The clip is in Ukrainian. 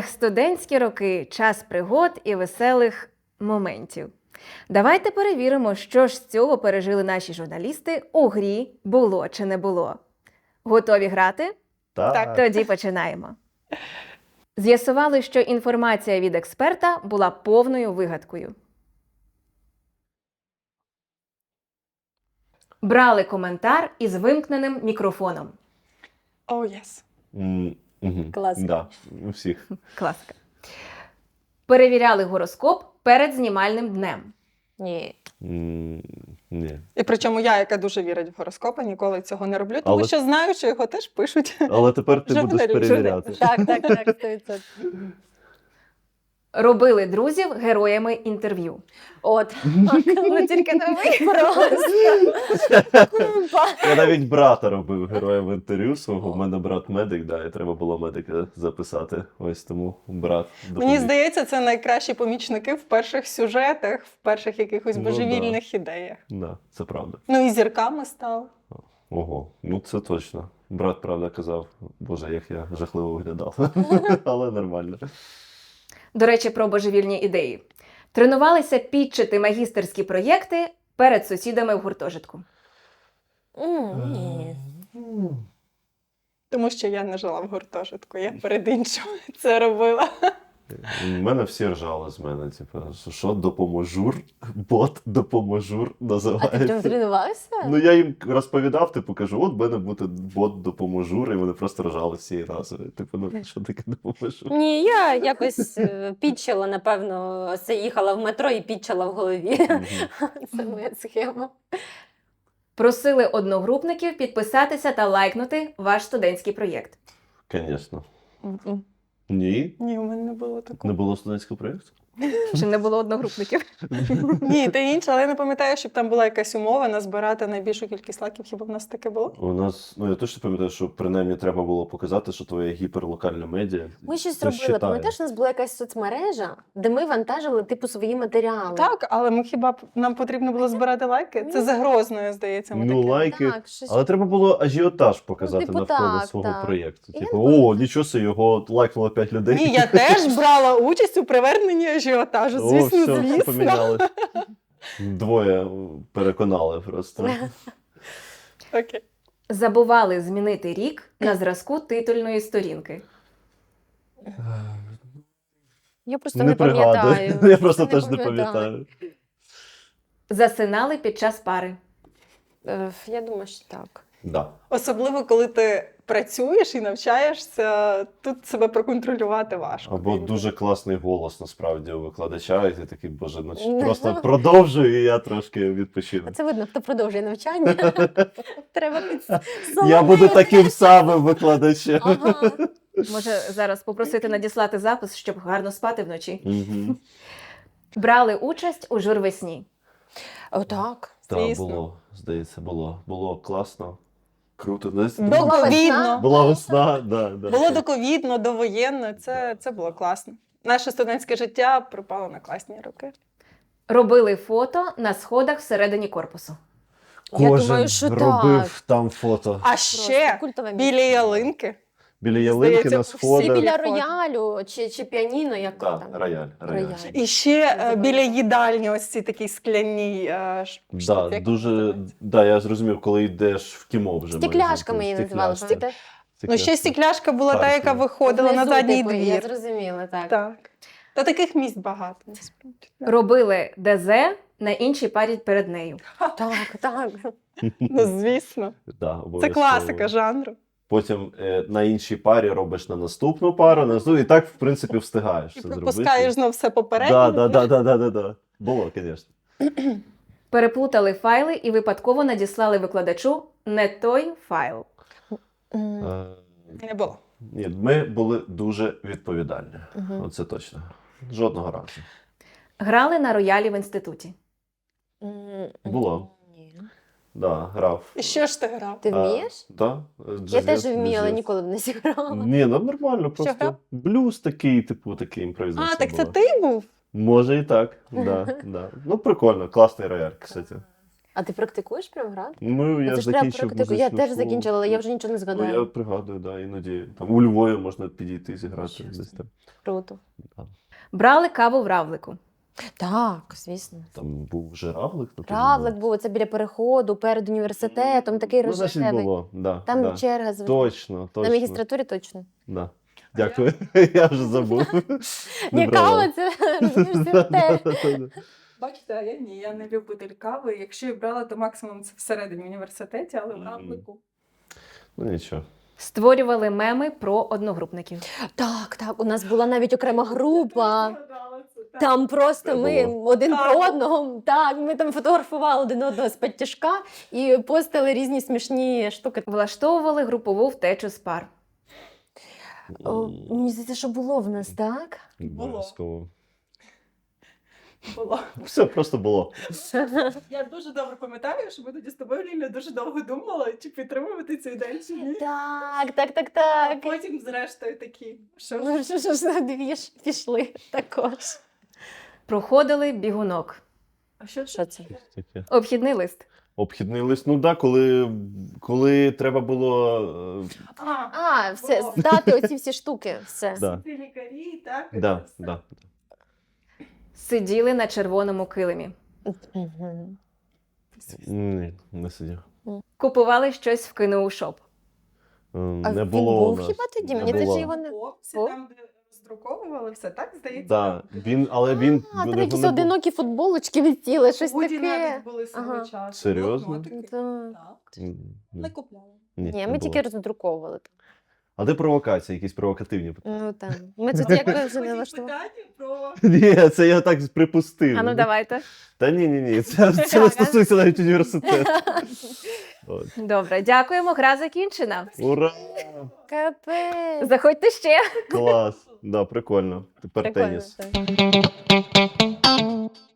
Студентські роки – час пригод і веселих моментів. Давайте перевіримо, що ж з цього пережили наші журналісти у грі «Було чи не було». Готові грати? Так. Тоді починаємо. З'ясували, що інформація від експерта була повною вигадкою. Брали коментар із вимкненим мікрофоном. Yes. Класика. Да, у всіх. Класика. Перевіряли гороскоп перед знімальним днем. Ні. Ні. І причому я, яка дуже вірить в гороскопи, ніколи цього не роблю, тому що знаю, що його теж пишуть. Але тепер ти будеш Журналіст. перевіряти. Так, 100%. Робили друзів героями інтерв'ю. От. Ну тільки не ви. Просто. Я навіть брата робив героєм інтерв'ю свого. У мене брат медик, да, і треба було медика записати. Ось тому брат допоміг. Мені здається, це найкращі помічники в перших сюжетах, в перших якихось Ну, божевільних ідеях. Да, це правда. Ну і зірками став. Ого, ну це точно. Брат, правда, казав, боже, як я жахливо виглядав. Але нормально. До речі, про божевільні ідеї. Тренувалися підчити магістерські проєкти перед сусідами в гуртожитку. Ні. Тому що я не жила в гуртожитку, я перед іншим це робила. У мене всі ржали з мене, типу, що допоможур, бот допоможур А ти називається. прям тренувався? Ну я їм розповідав, типу, кажу, от в мене буде бот допоможур, і вони просто ржали всієї рази. Типу, ну що таке допоможур? Ні, я якось підчила, напевно, це їхала в метро і підчила в голові. Це моя схема. Просили одногрупників підписатися та лайкнути ваш студентський проєкт. Звісно. М-м. Ні? Ні, у мене не було такого. Не було студентського проєкту? Чи не було одногрупників? Ні, те інше, але я не пам'ятаю, щоб там була якась умова назбирати найбільшу кількість лайків. Хіба в нас таке було? У нас, ну я точно пам'ятаю, що принаймні треба було показати, що твоє гіперлокальне медіа. Ми щось це робили. считає. Пам'ятаєш, у нас була якась соцмережа, де ми вантажили типу свої матеріали. Так, але ми хіба нам потрібно було збирати лайки? Це за Грозною, здається, ми Ну, таке. лайки. Так, щось. Але треба було ажіотаж показати типу, навколо так, свого так. проєкту. Я Типу, не пам'ятаю. о, нічого собі, його лайкнуло 5 людей. Ні, я теж брала участь у приверненні ажіотажу. О, Звісно, все звісно. помінялось. Двоє переконали просто. Окей. Забували змінити рік на зразку титульної сторінки. Я просто не пам'ятаю. Я просто теж не пам'ятаю. Засинали під час пари. Я думаю, що так. Да. Особливо, коли ти працюєш і навчаєшся, тут себе проконтролювати важко. Або дуже класний голос насправді у викладача, і ти такий, боже, ну просто продовжуй, і я трошки відпочину. Це видно, хто продовжує навчання. Треба Я буду таким самим викладачем. Ага. Може, зараз попросити надіслати запис, щоб гарно спати вночі. Мгм. Брали участь у журвесні. Отак. Так, Звісно. було, здається, було класно. Круто. Доковідно. Була весна, да. Було доковідно, довоєнно. Це було класно. Наше студентське життя припало на класні роки. Робили фото на сходах всередині корпусу. Я Кожен думаю, що робив так. там фото. А ще культове біля місце. ялинки. Біля ялинки Здається, на всі сходах. Біля фото. роялю чи піаніно, як Так, там. рояль. І ще біля їдальні ось ці такі скляні Да, як дуже, називається? да, я зрозумів, коли йдеш в кіно вже. Стекляшками її називали. Стекляшка. пам'ятаєш? Ну, ще стекляшка була та, яка Паркова. виходила на Внизу, задній типу, Я двір. зрозуміла, так. Так. Та таких місць багато. насправді. Робили ДЗ на іншій парі перед нею. Так. Ну, звісно. Да, Це обов'язково. класика жанру. Потім на іншій парі робиш на наступну пару, і так, в принципі, встигаєш І це пропускаєш зробити. знов все попереднє. Да. Було, звісно. Переплутали файли і випадково надіслали викладачу не той файл. Не було. Ні, ми були дуже відповідальні. Оце точно. Жодного разу. Грали на роялі в інституті. Було. Ні. Да, грав. І що ж ти грав? Ти вмієш? Да, Я теж вмію, але ніколи б не зіграла. Ні, ну нормально, просто грав? блюз такий, типу, такий імпровізація А, так це була. ти був? Може і так, да. Ну, прикольно, класний рояль, кстати. А ти практикуєш прям грати? Ну, я Це ж треба закінчив практику. Я музичну теж школу. закінчила, але я вже нічого не Ну, я згадаю. пригадую, да, іноді там у Львові можна підійти зіграти десь там. Круто. Брали каву в равлику. Так, звісно. Там був вже равлик. на той Равлик момент. був, це біля переходу, перед університетом, такий Ну, значить, рожевий. було, да. Там да. черга завжди. Точно, На точно. магістратурі точно. Да. Дякую. Я вже забув. Не Ні, брала. кава, це університет. Бачите, а я ні, я не любитель кави. Якщо і брала, то максимум це всередині університеті, але в равлику. Ну нічого. Створювали меми про одногрупників. Так, так, у нас була навіть окрема група. Згадала це, так. Там просто Це ми було. один Так. про одного, так, ми там фотографували один одного з підтяжка і постили різні смішні штуки. Влаштовували групову втечу з пар. О, мені здається, що було в нас, так? Обов'язково. Було. Все просто було. Я дуже добре пам'ятаю, що ми тоді з тобою, Ліля, дуже довго думали, чи підтримувати цей день, чи ні. Так, так, так, А так. потім, зрештою, такі, що Ну, що ж за дві ж пішли також. Проходили бігунок. А що Що це? Таке. Обхідний лист. Обхідний лист. Ну так, коли треба було. А, все, було. здати оці всі штуки, все. Да. Ці лікарі, так? Да, це все. да. Сиділи на червоному килимі. Мгм. Ні, не сидів. Купували щось в КНУ-шоп. А Не він було був у нас. хіба тоді? Не Мені було. здається, його не... Хлопці, О. там, де роздруковували все, так, здається? Да, але він. А, там вони якісь були- одинокі футболочки відтіли, щось Худі таке. навіть були свого Ага. часу. Серйозно? Блокнотики. Да. Так. Ні, Не купляли. Ні, не ми було. тільки роздруковували. А де провокації, якісь провокативні питання? Ну там. Ми тут якось вже не Потім влаштували. питання про... Ні, це я так припустив. А ну давайте. Та ні. Це не стосується навіть університету. От. Добре, дякуємо. Гра закінчена. Ура! Капець. Заходьте ще. Клас. Да, прикольно. Тепер Прикольно, теніс. так.